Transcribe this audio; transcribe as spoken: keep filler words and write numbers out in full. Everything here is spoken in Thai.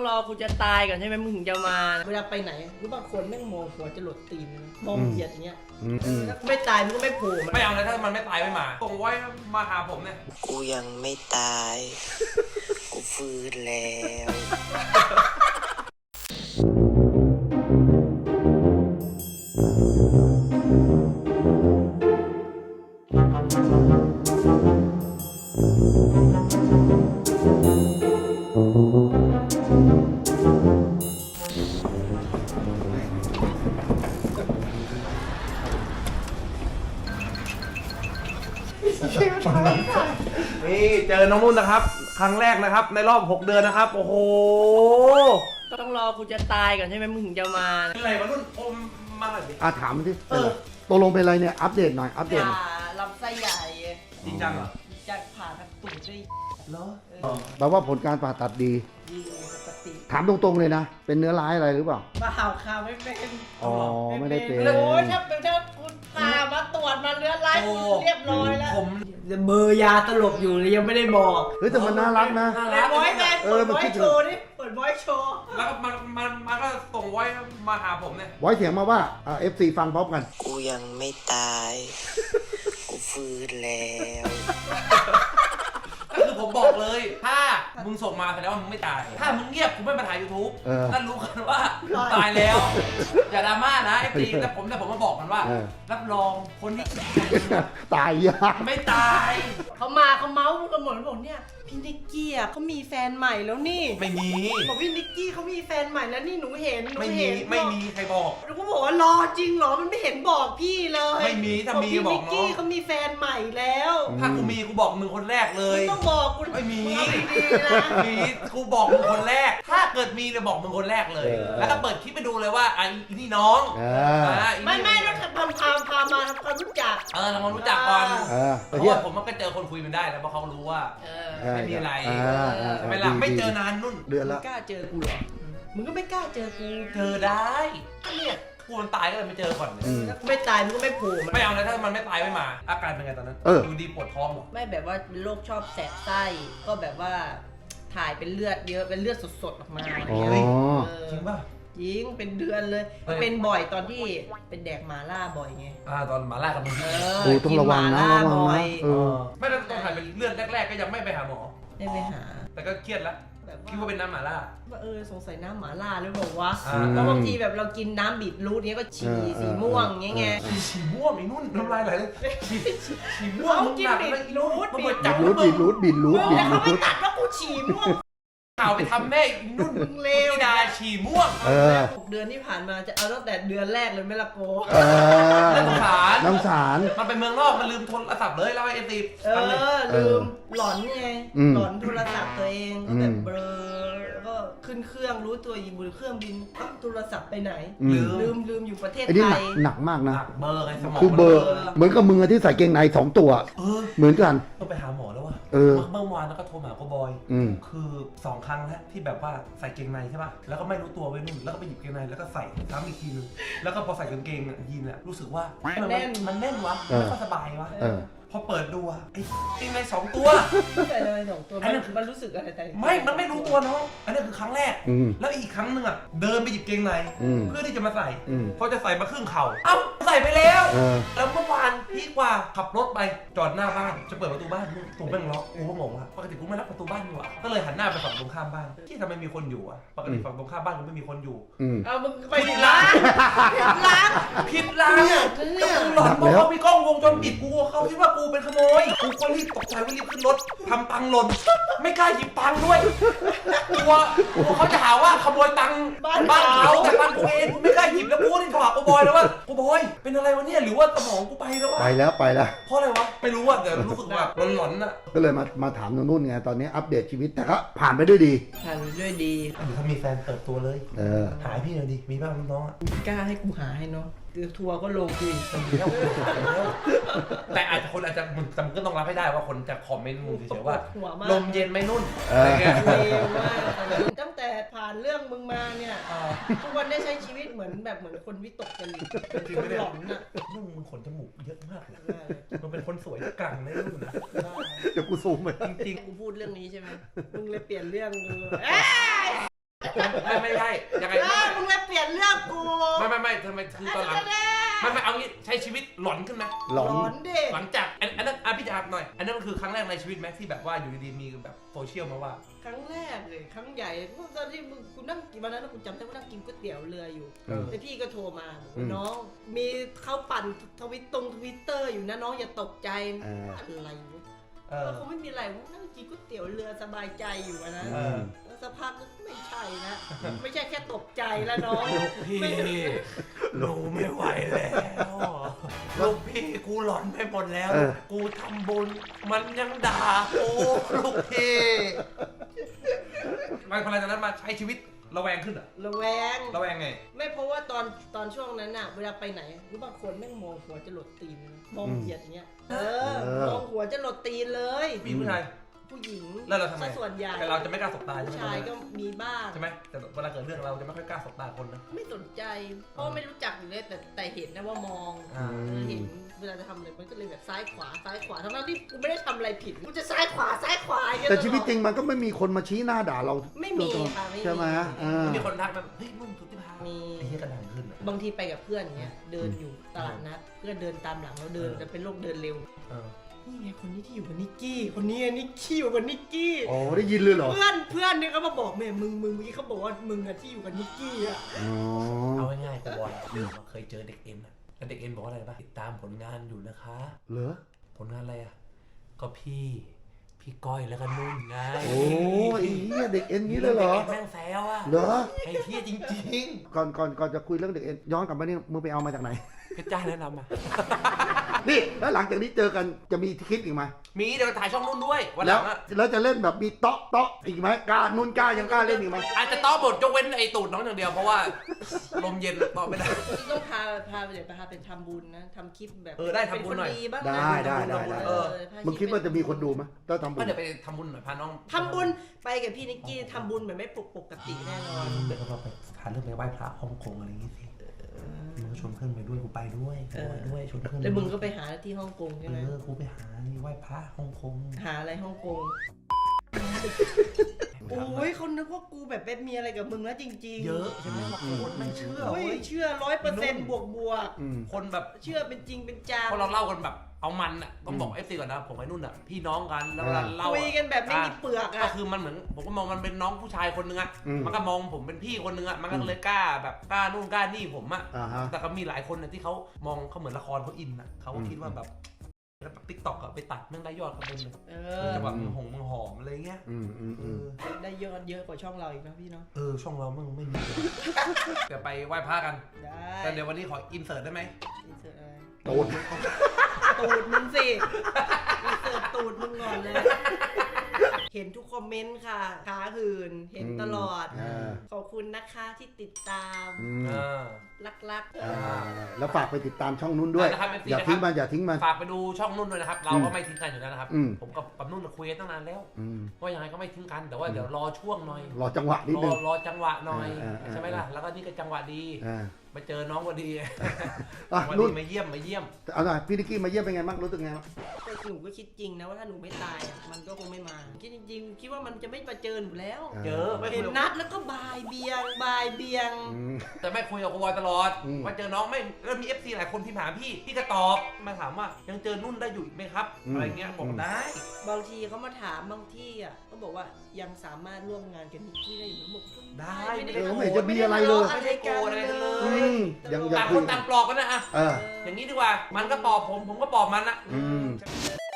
รอกูจะตายก่อนใช่ไหมมึงถึงจะมาเวลาไปไหนหรือบางคนแม่งมองหัวจะหลดตีนมองเหยียดอย่างเงี้ยถ้าไม่ตายมึงก็ไม่โผล่ไม่เอาเลยถ้ามันไม่ตายไม่มาส่งไว้มาหาผมเนี่ยกูยังไม่ตายกูฟื้นแล้วนี่เจอน้องนุ่นนะครับครั้งแรกนะครับในรอบหกเดือนนะครับโอ้โหต้องรอกูจะตายก่อนใช่ไหมมึงถึงจะมาอะไรวะนุ่นอมมาหน่อยดิอ่ะถามที่เออตกลงเป็นอะไรเนี่ยอัปเดตหน่อยอัปเดตลำไส้ใหญ่จริงจังเหรอจะผ่าทางตูดได้เหรอแปลว่าผลการผ่าตัดดีดีปกติถามตรงๆเลยนะเป็นเนื้อร้ายอะไรหรือเปล่ามาห่าวข่าวไม่เป็นอ๋อไม่ได้เป็นโอ้ยถ้าเป็นถ้าคุณพามาตรวจมาเนื้อร้ายเรียบร้อยแล้วผมเบอร์ยาตลบอยู่เลยยังไม่ได้บอกเฮ้ยแต่มันน่ารักนะเปิดไว้แม่เปิดไว้โชว์นี่เปิดไว้โชว์แล้วก็มันมันมันก็ส่งไว้มาหาผมเนี่ยไว้เสียงมาว่าเอฟซีฟังพร้อมกันกูยังไม่ตายกูฟื้นแล้วคือผมบอกเลยถ้ามึงส่งมาแสดงว่ามึงไม่ตายถ้ามึงเงียบกูไม่มาถ่าย ยูทูบ นั่นรู้กันว่าตายแล้วอย่าดราม่านะไอ้ปีแต่ผมแต่ผมมาบอกมันว่ารับรองคนนี้ตายยากไม่ตายเขามาเขาเมาส์กันหมดบอกเนี่ยพี่นิกกี้อ่ะเขามีแฟนใหม่แล้วนี่ไม่มีบอกพี่นิกกี้เขามีแฟนใหม่แล้วนี่หนูเห็นหนูไม่มีเห็นไม่มีใครบอกหนูก็บอกว่ารอจริงเหรอมันไม่เห็นบอกพี่เลยไม่มีถ้ามีบอกน้องพี่นิกกี้เขามีแฟนใหม่แล้วถ้ากูมีกูบอกมึงคนแรกเลยต้องบอกกูไม่มีมีกูบอกมึงคนแรกถ้าเกิดมีเลยบอกมึงคนแรกเลยแล้วก็เปิดคลิปไปดูเลยว่าไอ้นี่น้องไม่ไม่ต้องทำพาพาพามาทำความรู้จักเออทำความรู้จักก่อนเพราะว่าผมมันก็เจอคนคุยมันได้แล้วเพราะเขารู้ว่าไม่มีอะไรใช่ไหมล่ะไม่เจอนานนุ่นเดือนละกล้าเจอกูเหรอมึงก็ไม่กล้าเจอกูเจอได้ก็เนี่ยกูมันตายก็เลยไม่เจอก่อนไม่ตายมึงก็ไม่โผล่ไม่เอาเลยถ้ามันไม่ตายไม่มาอาการเป็นไงตอนนั้นดูดีปวดท้องหรอไม่แบบว่าเป็นโรคชอบแสบไส้ก็แบบว่าถ่ายเป็นเลือดเยอะเป็นเลือดสดๆออกมาอ๋อจริงป่ะยิงเป็นเดือนเลยเป็นบ่อยตอนที่เป็นแดกหมาล่าบ่อยไงอ่าตอนหมาล่ากับมึงโอ้ต้องระวังนะระวังนะเออไม่ต้องถ่ายเป็นเลือดแรกๆก็ยังไม่ไปหาหมอไม่ไปหาแต่ก็เครียดแล้วคิดว่าเป็นน้ำหม่าล่าว่าเออสงสัยน้ำหม่าล่าหรือเปล่าวะแล้วบางทีแบบเรากินน้ำบีทรูทเนี้ยก็ฉี่สีม่วงเงี้ยไงฉี่ม่วงไอ้นุ่นน้ำลายไหลเลยฉี่ม่วงกินบีทรูทบีทรูทบีทรูทบีทรูทบีทรูทเขาไม่ตัดว่ากูฉี่ม่วงข่าวไปทำแม่นุ่นเลวดาฉี่ม่วงหกเดือนที่ผ่านมาจะเอาตั้งแต่เดือนแรกเลยไม่ละโกน้ำสารน้ำสารมันไปเมืองนอกมันลืมโทรศัพท์เลยแล้วไอ้ตีเออลืมหลอนไงหลอนโทรศัพท์ตัวเองก็แบบเบลอก็ขึ้นเครื่องรู้ตัวอยู่บนเครื่องบินอ้าวโทรศัพท์ไปไหนลืมลืมลืมอยู่ประเทศไทยหนักมากนะเบอร์ไงสมองคือเบอร์เหมือนกับมือที่ใส่เกงในสองตัวเหมือนกันต้องไปหาหมอแล้วว่ะเมื่อวานแล้วก็โทรหาโกบอยคือสองครั้งแล้วที่แบบว่าใส่เกงในใช่ป่ะแล้วก็ไม่รู้ตัวไว้นู่นแล้วก็ไปหยิบเกงในแล้วก็ใส่ซ้ำอีกทีนึงแล้วก็พอใส่กางเกงยีนเนี่ยรู้สึกว่ามันแน่นมันแน่นวะไม่ค่อยสบายวะพอเปิดดูอะไอ้เกงในสองตัวใส่อะไรสองตัวมันรู้สึกอะไรแต่ไม่มันไม่รู้ตัวน้องอันนี้คือครั้งแรกแล้วอีกครั้งหนึ่งอะเดินไปหยิบเกงในเพื่อที่จะมาใส่พอจะใส่มาครึ่งเข่าเอ้าใส่ไปแล้วแล้วเมื่อวานพี่กว่าขับรถไปจอดหน้าบ้านจะเปิดประตูบ้านถูกแม่งล็อกกูก็งงว่าปกติกูไม่ล็อกประตูบ้านนี่หว่าก็เลยหันหน้าไปฝั่งตรงข้ามบ้านที่ทำไมมีคนอยู่อะปกติฝั่งตรงข้ามบ้านกูไม่มีคนอยู่เอามึงไปผิดร้านผิดร้านผิดร้านก็กูหลอนเพราะเขามีกล้องวงจรปิดกูเขาคิดว่ากูเป็นขโมยกูก็รีบตกใจว่ารีบขึ้นรถทำตังหล่นไม่กล้าหยิบตังด้วยกลัวกลัวเขาจะหาว่าขโมยตังบ้านเขาแต่ตังกูเองกูไม่กล้าหยิบแล้วกูนี่โทรหากูบอยแล้วว่ากูบอยเป็นอะไรวะเนี่ยหรือว่าสมองกูไปแล้ววะไปแล้วไปแล้วเพราะอะไรวะไม่รู้อ่ะแต่รู้สึกแบบหลอนๆอ่ะก็เลยมามาถามน้องนุ่นไงตอนนี้อัปเดตชีวิตแต่ก็ผ่านไปด้วยดีผ่านไปด้วยดีถ้ามีแฟนเติบตัวเลยเออหายพี่หน่อยดิมีบ้างน้องอ่ะกล้าให้กูหาให้น้องทัวร์ก็ลงคุยแต่อาจจะคนอาจจะมึงจำก็ต้องรับให้ได้ว่าคนจะคอมเมนต์มึงเฉยๆว่าลมเย็นไม่นุ่นอะไรเงี้ยตั้งแต่ผ่านเรื่องมึงมาเนี่ยทุกวันได้ใช้ชีวิตเหมือนแบบเหมือนคนวิตกจริตคนหลอนน่ะนุ่นมึงขนจมูกเยอะมากเลยมึงเป็นคนสวยกลางในนุ่นนะเดี๋ยวกูซูมไปจริงๆกูพูดเรื่องนี้ใช่ไหมมึงเลยเปลี่ยนเรื่องเลยไม่ไม่ใช่ยังไงเออมึงเลยเปลี่ยนเรื่องกูไม่ไม่ไม่ทำไมคือตอนหลังไม่ไม่เอางี้ใช้ชีวิตหลอนขึ้นไหมหลอนหลอนดิหลังจากอันอันนั้นอ่ะพี่จะถามหน่อยอันนั้นมันคือครั้งแรกในชีวิตไหมที่แบบว่าอยู่ดีๆมีแบบโซเชียลมาว่าครั้งแรกเลยครั้งใหญ่ตอนที่มึงกูนั่งกินวันนั้นกูจำได้ว่านั่งกินก๋วยเตี๋ยวเรืออยู่เออแล้วพี่ก็โทรมาบอกอืว่าม น้อง มีเขาปั่นทวิตตรงทวิตเตอร์อยู่นะน้องอย่าตกใจเอออะไรวะเออก็คงไม่มีอะไรวะนั่งกินก๋วยเตี๋ยวเรือสบายใจอยู่อะนะเออแล้วสักพักก็ไม่ใช่นะ ไม่ใช่แค่ตกใจแล้วน้องพี่หนูไม่ไหวแล้วลูกพี่กูหลอนไปหมดแล้วเออกูทำบุญมันยังด่ากูลูกพี่มันพอหลังจากนั้นมาใช้ชีวิตระแวงขึ้นเหรอระแวงระแวงไงไม่เพราะว่าตอนตอนช่วงนั้นน่ะเวลาไปไหนรู้บางคนแม่งมองหัวจะหลดตีนนะมองเหยียดอย่างเงี้ย เออเออมองหัวจะหลดตีนเลยมีผู้ชายผู้หญิงแล้วเราทำไมซะส่วนใหญ่แต่เราจะไม่กล้าสบตาใช่ผู้ไหมชายก็มีบ้างใช่ไหมแต่เวลาเกิดเรื่องเราจะไม่ค่อยกล้าสบตาคนนะไม่สนใจ เพราะไม่รู้จักอยู่เลยแต่แต่เห็นนะว่ามองอ่าเออเห็นเวลาจะทำอะไรมันก็เลยแบบซ้ายขวาซ้ายขวาทั้งนั้นที่กูไม่ได้ทำอะไรผิดกูจะซ้ายขวาซ้ายขวาอย่างเงี้ยแต่ชีวิตจริงลอดมันก็ไม่มีคนมาชี้หน้าด่าเราไม่มีค่ะไม่มีใช่ไหมอ่ามีคนทักมาเฮ้ยมึงสุดที่พามีไอ้เหี้ยกระดังขึ้นอะบางทีไปกับเพื่อนเงี้ยเดินอยู่ตลาดนัดเพื่อนเดินตามหลังเราเดินเออจะเป็นโรคเดินเร็วเออนี่ไงคนนี้ที่อยู่กับนิกกี้คนนี้ไงนิกกี้อยู่กับนิกกี้โอ้ได้ยินเลยเหรอเพื่อนเพื่อนเนี่ยเขามาบอกแม่มึงมึงเมื่อกี้เขาบอกว่ามึงอะที่อยู่กับนิกกี้อะอ๋อเอาง่ายๆกูบอลเคยเจอเด็กเอ็นอะแล้วเด็กเอ็นบอกว่าอะไรป่ะติดตามผลงานอยู่นะคะเหรอผลงานอะไรอะก็พี่พี่ก้อยแล้วก็นุ่นไงโอ้ยไอ้เหี้ยเด็กเอ็นงี้เลยเหรอด็กอ็นแม่งแซวอะเหรอไอ้เหี้ยจริงก่อนก่อนก่อนจะคุยเรื่องเด็กเอ็นย้อนกลับมานี่มึงไปเอามาจากไหนๆเพชรจ้าแนะนำมานี่แล้วหลังจากนี้เจอกันจะมีคลิปอีกไหมมีเดี๋ยวถ่ายช่องนุ่นด้วยวันหแล้ลัวงอะแล้วจะเล่นแบบมีเตาะเตาะอีกไหมกล้านุ่นกล้ายังกล้าเล่นอีกไหมอาจจะต้อบทยกเว้นไอ้ตูดน้องอย่างเดียวเพราะว่าลมเย็นต่อไม่ได้ต้องพาพาไปเดี๋ยวพาไปทำบุญนะทำคลิปแบบเออได้ทำบุญหน่อยเป็คบ้างนะได้ได้ได้ได้เออพมึงคิดว่าจะมีคนดูไหมถ้าทำบุก็ญเดี๋ยวไปทำบุญหน่อยพาน้องทำบุญไปกับพี่นิกกี้ทำบุญแบบไม่ปกปกติแน่นอนเดี๋ยวเราไปหาเรื่องไปไหว้พระฮ่องกงอะไรอย่างงี้สิมึงก็ชวนเพื่อนไปด้วยกูไปด้วยกูไปด้วยชวนเพื่อนแล้วมึงก็ไปหาที่ฮ่องกงใช่ไหมเออกูไปหาไหว้พระฮ่องกงหาอะไรฮ่องกงโอ้ยเขานึกว่ากูแบบไปมีอะไรกับมึงแล้วจริงๆเยอะใช่ไหมบางคนไม่เชื่อโอ้ยเว้ยเชื่อร้อยเปอร์เซ็นต์บวกบวกอืมคนแบบเชื่อเป็นจริงเป็นจังเพราะเราเล่ากันแบบเอามันอ่ะต้องบอกเอฟซีก่อนนะผมไอ้นุ่นอ่ะพี่น้องกันแล้วเวลาเล่าคุยกันแบบไม่มีเปลือกก็อ่ะคือมันเหมือนผมก็มองมันเป็นน้องผู้ชายคนนึงอ่ะอืมมันก็มองผมเป็นพี่คนนึงอ่ะมันก็เลยกล้าแบบกล้านู่นกล้านี่ผมอ่ะอ่าฮะแต่ก็มีหลายคนนะที่เขามองเขาเหมือนละครเขาอินอ่ะเขาก็อืมคิดว่าแบบแล้วติ๊กต็อกอะไปตัดแม่งได้ยอดกันเต็มเลยเอเอออจะแบบมึงหงมึงหอมอะไรเงี้ยอืมอืมเออืมอได้เยอะเยอะกว่าช่องเราอีกนะพี่เนาะเออช่องเรามึงไม่มี เดี๋ยวไปไหว้พระกันได้แต่เดี๋ยววันนี้ขออินเสิร์ตได้ไหมอินเสิร์ตอะไรโดนตูดมึงสิอินเสิร์ตตูดมึงก่อนเลย เห็นทุกคอมเมนต์ค่ะขาหื่นเห็นตลอดอ่าขอบคุณนะคะที่ติดตามอืมเออรักอ่าแล้วฝากไปติดตามช่องนุ่นด้วยนะครับ เอฟซีอย่านะครับทิ้งมันอย่าทิ้งมันฝากไปดูช่องนุ่นด้วยนะครับ เราอืก็มไม่ทิ้งกันอยู่แล้วนะครับอืมผมกับกับนุ่นคุยกันตั้งนานแล้วอืมว่ายังไงก็ไม่ทิ้งกันแต่ว่าเดี๋ยวรอช่วงหน่อยรอจังหวะนิดรนึอง รอจังหวะหน่อยอ่าอ่าใช่ไหมล่ะแล้วก็นี่ก็จังหวะดีอ่ามาเจอน้องพอดีอ่ะวันนุ่นนี้มาเยี่ยมมาเยี่ยมเอาหน่อยพี่นิกกี้มาเยี่ยมเป็นไงบ้างรู้สึกไงบ้างๆแต่หนูก็คิดจริงนะว่าถ้าหนูไม่ตายอ่ะมันก็คงไม่มาคิดจริงๆคิดว่ามันจะไม่มาเจอหนูแล้วเจอไม่เห็คุนยกับนัดแล้วก็บายเบียงบายเบียงอืมแต่ไม่คุยกับกูบอยตลอดอืมมาเจอน้องไม่แล้วมีเอฟซีหลายคนที่ถามพี่พี่ก็ตอบมาถามว่ายังเจอนุ่นได้อยู่อีกไหมครับอะไรเงี้ยบอกได้บางทีเขามาถามบางที่อ่ะก็บอกว่ายังสามารถร่วมงานกับนิกกี้ได้อยู่นะบอกได้ไม่ได้เออไม่เห็นจะมีอะไรเลยไม่ได้โกรธอะไรกันเลอืยมยังต่างคนต่างปลอบกันนะอะเอออย่างนี้ดีกว่ามันก็ปลอบผมผมก็ปลอบมันนะอืม